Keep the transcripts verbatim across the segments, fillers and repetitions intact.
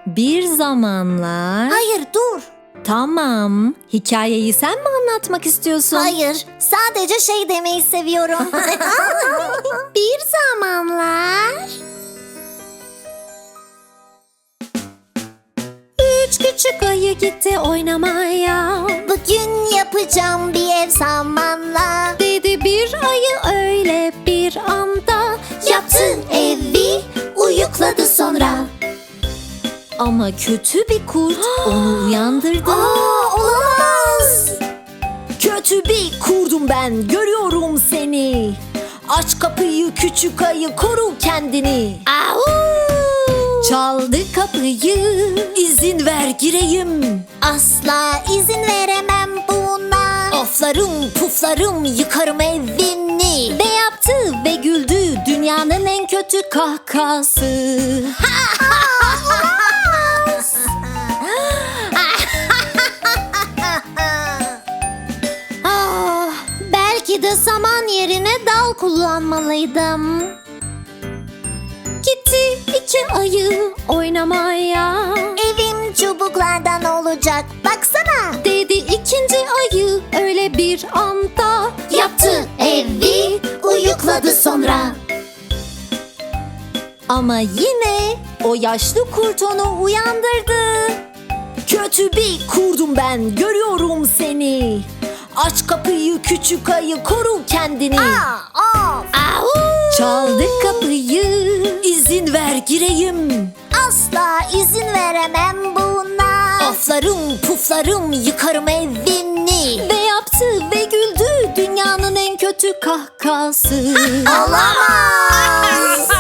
Bir zamanlar... Hayır dur. Tamam. Hikayeyi sen mi anlatmak istiyorsun? Hayır. Sadece şey demeyi seviyorum. Bir zamanlar... Üç küçük ayı gitti oynamaya. Bugün yapacağım bir ev samanla. Dedi bir ayı öyle bir anda. Yaptı evi, uyukladı sonra. Ama kötü bir kurt onu uyandırdı. Aa, olamaz. Kötü bir kurdum ben, görüyorum seni. Aç kapıyı küçük ayı, koru kendini. Au! Çaldı kapıyı, izin ver gireyim. Asla izin veremem buna. Oflarım puflarım yıkarım evini. Ve yaptı ve güldü dünyanın en kötü kahkası. Ah, belki de saman yerine dal kullanmalıydım. Gitti iki ayı oynamaya. Evim çubuklardan olacak, baksana. Dedi ikinci ayı öyle bir anda. Yaptı evi, uyukladı sonra. Ama yine o yaşlı kurt onu uyandırdı. Kötü bir kurdum ben, görüyorum seni. Aç kapıyı küçük ayı, koru kendini. Aa, of. Au! Çaldı kapıyı, izin ver gireyim. Asla izin veremem buna. Oflarım puflarım yıkarım evini. Ve yaptı ve güldü dünyanın en kötü kahkası. Olamaz.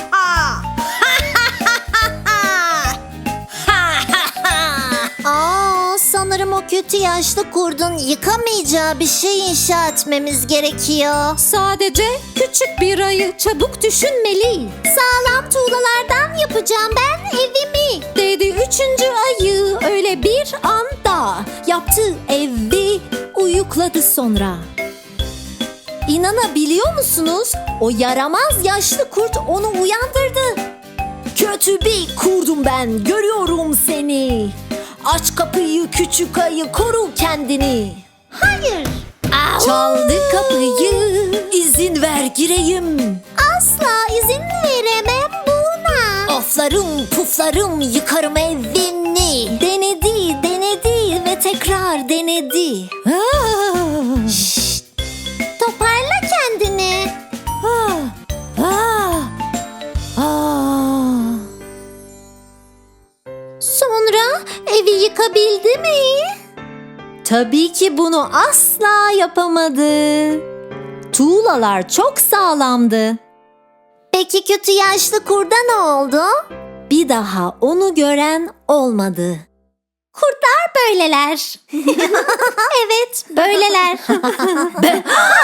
Aa, sanırım o kötü yaşlı kurdun yıkamayacağı bir şey inşa etmemiz gerekiyor. Sadece küçük bir ayı, çabuk düşünmeli. Sağlam tuğlalardan yapacağım ben evimi. Dedi üçüncü ayı öyle bir anda. Yaptı evi, uyukladı sonra. İnanabiliyor musunuz? O yaramaz yaşlı kurt onu uyandırdı. Kötü bir kurdum ben, görüyorum seni. Aç kapıyı küçük ayı, koru kendini. Hayır. Au! Çaldı kapıyı, izin ver gireyim. Asla izin veremem buna. Oflarım puflarım yıkarım evini. Denedi denedi ve tekrar denedi. Ah! Şşt, toparla kendini. Ah! Ah! Ah! Sonra evi yıkabildi mi? Tabii ki bunu asla yapamadı. Tuğlalar çok sağlamdı. Peki kötü yaşlı kurda ne oldu? Bir daha onu gören olmadı. Kurtlar böyleler. Evet, böyleler.